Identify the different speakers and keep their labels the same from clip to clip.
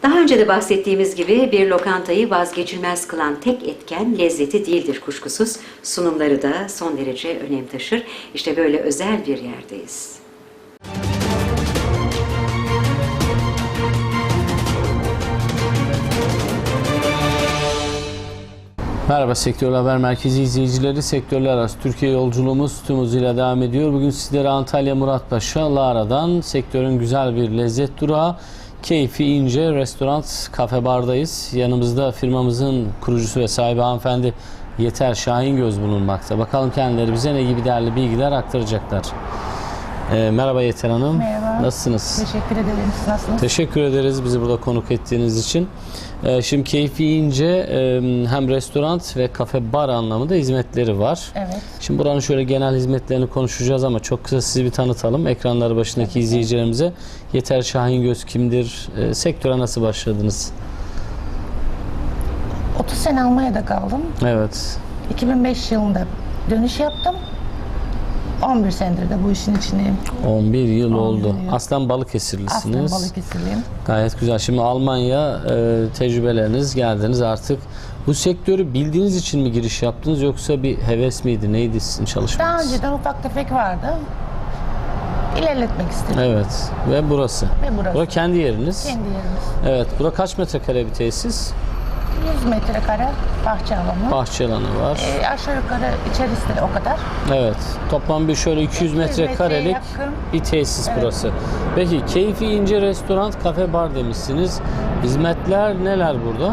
Speaker 1: Daha önce de bahsettiğimiz gibi bir lokantayı vazgeçilmez kılan tek etken lezzeti değildir kuşkusuz. Sunumları da son derece önem taşır. İşte böyle özel bir yerdeyiz.
Speaker 2: Merhaba Sektör Haber Merkezi izleyicileri. Sektörler arası Türkiye yolculuğumuz tüm hızıyla devam ediyor. Bugün sizlere Antalya Muratpaşa Lara'dan sektörün güzel bir lezzet durağı Keyfi İnce Restoran Kafe Bar'dayız. Yanımızda firmamızın kurucusu ve sahibi hanımefendi Yeter Şahingöz bulunmakta. Bakalım kendileri bize ne gibi değerli bilgiler aktaracaklar. Merhaba Yeter Hanım.
Speaker 3: Merhaba.
Speaker 2: Nasılsınız?
Speaker 3: Teşekkür ederim. Siz nasılsınız?
Speaker 2: Teşekkür ederiz bizi burada konuk ettiğiniz için. Şimdi Keyfi İnce hem restoran ve kafe bar anlamında hizmetleri var.
Speaker 3: Evet.
Speaker 2: Şimdi buranın şöyle genel hizmetlerini konuşacağız ama çok kısa sizi bir tanıtalım. Ekranları başındaki izleyicilerimize Yeter Şahingöz kimdir? Sektöre nasıl başladınız?
Speaker 3: 30 sene Almanya'da kaldım.
Speaker 2: Evet.
Speaker 3: 2005 yılında dönüş yaptım. 11 senedir de bu işin içindeyim.
Speaker 2: 11 yıl
Speaker 3: 11
Speaker 2: oldu.
Speaker 3: yıl.
Speaker 2: Aslen Balıkesirlisiniz.
Speaker 3: Aslında Balıkesirliyim.
Speaker 2: Gayet güzel. Şimdi Almanya tecrübeleriniz geldiniz artık. Bu sektörü bildiğiniz için mi giriş yaptınız yoksa bir heves miydi? Neydi sizin çalışmanız?
Speaker 3: Daha önceden ufak tefek vardı. İlerletmek istedim.
Speaker 2: Evet. Ve burası.
Speaker 3: Ve burası.
Speaker 2: Bura kendi yeriniz.
Speaker 3: Kendi yerimiz.
Speaker 2: Evet. Bura kaç metrekare bir tesis?
Speaker 3: 100 metrekare bahçe alanı.
Speaker 2: Bahçe alanı var.
Speaker 3: Aşağı yukarı içerisi de o kadar.
Speaker 2: Evet. Toplam bir şöyle 200 metrekarelik
Speaker 3: yakın.
Speaker 2: bir tesis
Speaker 3: Evet.
Speaker 2: burası. Peki Keyfi İnce Restoran Kafe Bar demişsiniz. Hizmetler neler burada?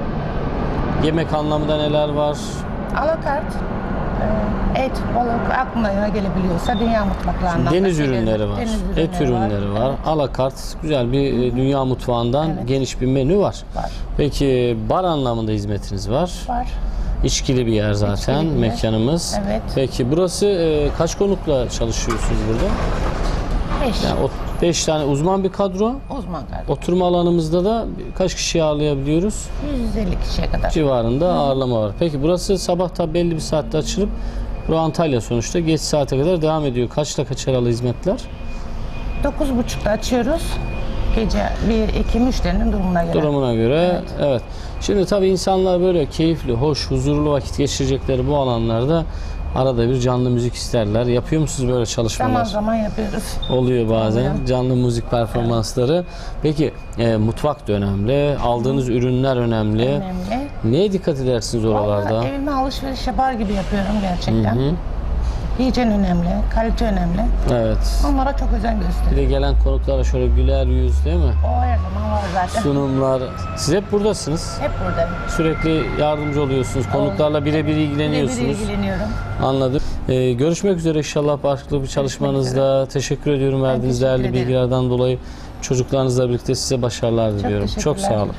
Speaker 2: Yemek anlamında neler var?
Speaker 3: Alakart. Et, balık aklına gelebiliyorsa dünya mutfaklarından.
Speaker 2: Deniz
Speaker 3: da
Speaker 2: ürünleri var.
Speaker 3: Deniz
Speaker 2: Et ürünleri var.
Speaker 3: Evet.
Speaker 2: Alakart güzel bir dünya mutfağından
Speaker 3: Evet.
Speaker 2: geniş bir menü var.
Speaker 3: Var.
Speaker 2: Peki bar anlamında hizmetiniz var.
Speaker 3: Var.
Speaker 2: İçkili bir yer zaten
Speaker 3: İçkili bir yer.
Speaker 2: mekanımız.
Speaker 3: Evet.
Speaker 2: Peki burası kaç konukla çalışıyorsunuz burada?
Speaker 3: 5.
Speaker 2: Yani 5 tane uzman bir kadro.
Speaker 3: Uzman kardeşim.
Speaker 2: Oturma alanımızda da kaç kişi ağırlayabiliyoruz?
Speaker 3: 150 kişiye kadar.
Speaker 2: Civarında ağırlama var. Peki burası sabah tabi belli bir saatte açılıp burası Antalya sonuçta geç saate kadar devam ediyor. Kaçla kaç aralı hizmetler?
Speaker 3: 9.30'da açıyoruz. Gece 1, 2 müşterinin durumuna göre.
Speaker 2: Durumuna göre. Evet. Şimdi tabii insanlar böyle keyifli, hoş, huzurlu vakit geçirecekleri bu alanlarda arada bir canlı müzik isterler. Yapıyor musunuz böyle çalışmalar?
Speaker 3: Zaman zaman yapıyoruz.
Speaker 2: Oluyor bazen.
Speaker 3: Oluyor.
Speaker 2: Canlı müzik performansları. Peki mutfak da önemli. Aldığınız ürünler önemli.
Speaker 3: Önemli.
Speaker 2: Neye dikkat edersiniz oralarda?
Speaker 3: Vallahi evime alışveriş yapar gibi yapıyorum gerçekten. Hijyen önemli, kalite önemli.
Speaker 2: Evet.
Speaker 3: Onlara çok özen
Speaker 2: Bir
Speaker 3: gösteriyorum.
Speaker 2: de gelen konuklara şöyle güler yüz değil mi?
Speaker 3: O her zaman var zaten.
Speaker 2: Sunumlar. Siz hep buradasınız.
Speaker 3: Hep buradayım.
Speaker 2: Sürekli yardımcı oluyorsunuz. Konuklarla birebir ilgileniyorsunuz.
Speaker 3: Birebir ilgileniyorum.
Speaker 2: Anladım. Görüşmek üzere inşallah farklı bir çalışmanızda. Teşekkür ediyorum verdiğiniz
Speaker 3: teşekkür
Speaker 2: değerli
Speaker 3: ederim.
Speaker 2: bilgilerden dolayı. Çocuklarınızla birlikte size başarılar diliyorum. Çok
Speaker 3: teşekkürler.
Speaker 2: sağ olun.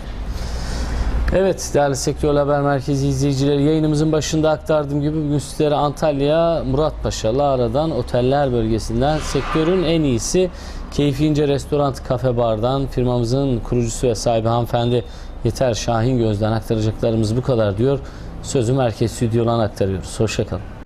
Speaker 2: Evet değerli Sektör Haber Merkezi izleyicileri, yayınımızın başında aktardığım gibi bugün sizlere Antalya Muratpaşa Lara'dan oteller bölgesinden sektörün en iyisi Keyfi İnce Restoran Kafe Bar'dan firmamızın kurucusu ve sahibi hanımefendi Yeter Şahingöz'den aktaracaklarımız bu kadar diyor. Sözü merkez stüdyodan aktarıyoruz. Hoşça kalın.